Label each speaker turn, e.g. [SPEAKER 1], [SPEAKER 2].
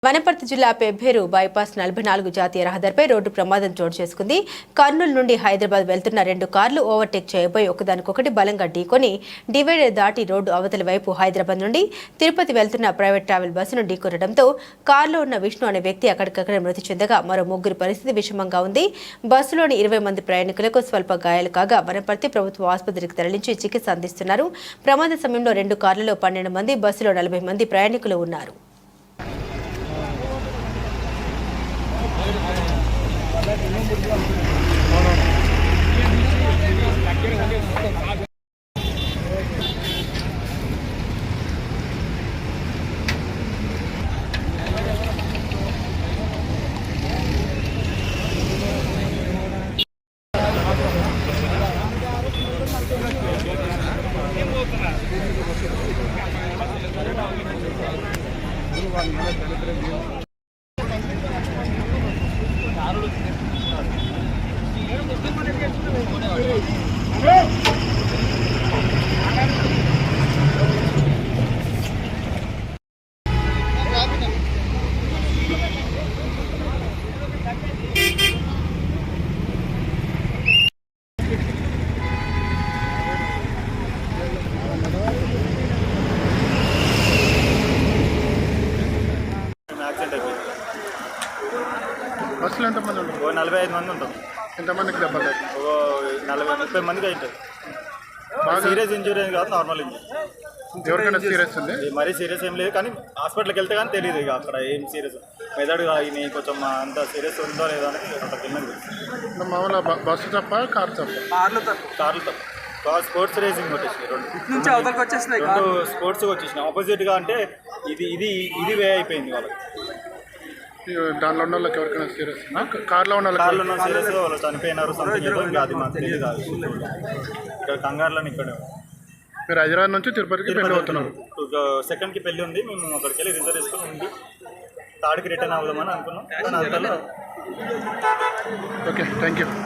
[SPEAKER 1] వనపర్తి జిల్లా పెబ్బేరు బైపాస్ 44 జాతీయ రహదారిపై రోడ్డు ప్రమాదం చోటు చేసుకుంది. కర్నూలు నుండి హైదరాబాద్ వెళ్తున్న 2 కార్లు ఓవర్టేక్ చేయబోయి ఒకదానికొకటి బలంగా ఢీకొని డివైడర్ దాటి రోడ్డు అవతలి వైపు హైదరాబాద్ నుండి తిరుపతి వెళ్తున్న ప్రైవేట్ ట్రావెల్ బస్సును ఢీకొనడంతో కారులో ఉన్న విష్ణు అనే వ్యక్తి అక్కడికక్కడే మృతి చెందగా మరో ముగ్గురి పరిస్థితి విషమంగా ఉంది. బస్సులోని 20 మంది ప్రయాణికులకు స్వల్ప గాయాలు కాగా వనపర్తి ప్రభుత్వ ఆసుపత్రికి తరలించి చికిత్స అందిస్తున్నారు. ప్రమాద సమయంలో 2 కార్లలో 12 మంది, బస్సులో 40 మంది ప్రయాణికులు ఉన్నారు.
[SPEAKER 2] బస్సులో ఎంతమంది ఉంటారు?
[SPEAKER 3] 45 మంది ఉంటాం.
[SPEAKER 2] ఎంతమందికి దెబ్బలు?
[SPEAKER 3] 40-30 మందికి అవుతుంది. సీరియస్ ఇంజూరీ కాదు, నార్మల్ ఇంజూరీ.
[SPEAKER 2] ఎవరికైనా సీరియస్ ఉంది?
[SPEAKER 3] మరీ సీరియస్ ఏం లేదు, కానీ హాస్పిటల్కి వెళ్తే కానీ తెలియదు ఇక అక్కడ ఏం సీరియస్ మెదడు ఇది కొంచెం అంత సీరియస్ ఉందో లేదో అని అక్కడికి వెళ్ళింది.
[SPEAKER 2] మామూలుగా బస్సు తప్ప కారు తప్ప?
[SPEAKER 3] కార్లు తప్ప స్పోర్ట్స్ రేసింగ్ వచ్చేసినాయి, రెండు స్పోర్ట్స్ వచ్చేసినాయి ఆపోజిట్గా. అంటే ఇది వే అయిపోయింది వాళ్ళకి.
[SPEAKER 2] దానిలో ఉన్న వాళ్ళకి ఎవరికైనా సీరియస్? కార్లో ఉన్న
[SPEAKER 3] సీరియస్ వాళ్ళు చనిపోయినారు, సంథింగ్ ఏదో ఇంకా అది మాకు తెలియదు. ఇక్కడ కంగారులో ఇక్కడే.
[SPEAKER 2] మీరు హైదరాబాద్ నుంచి తిరుపతికి పెళ్ళి అవుతున్నారు?
[SPEAKER 3] సెకండ్కి పెళ్ళి ఉంది, మేము అక్కడికి వెళ్ళి రిజర్వ్ చేసుకుని ఉంది. థర్డ్కి రిటర్న్ అవుదామని అనుకున్నాం.
[SPEAKER 2] Okay, thank you.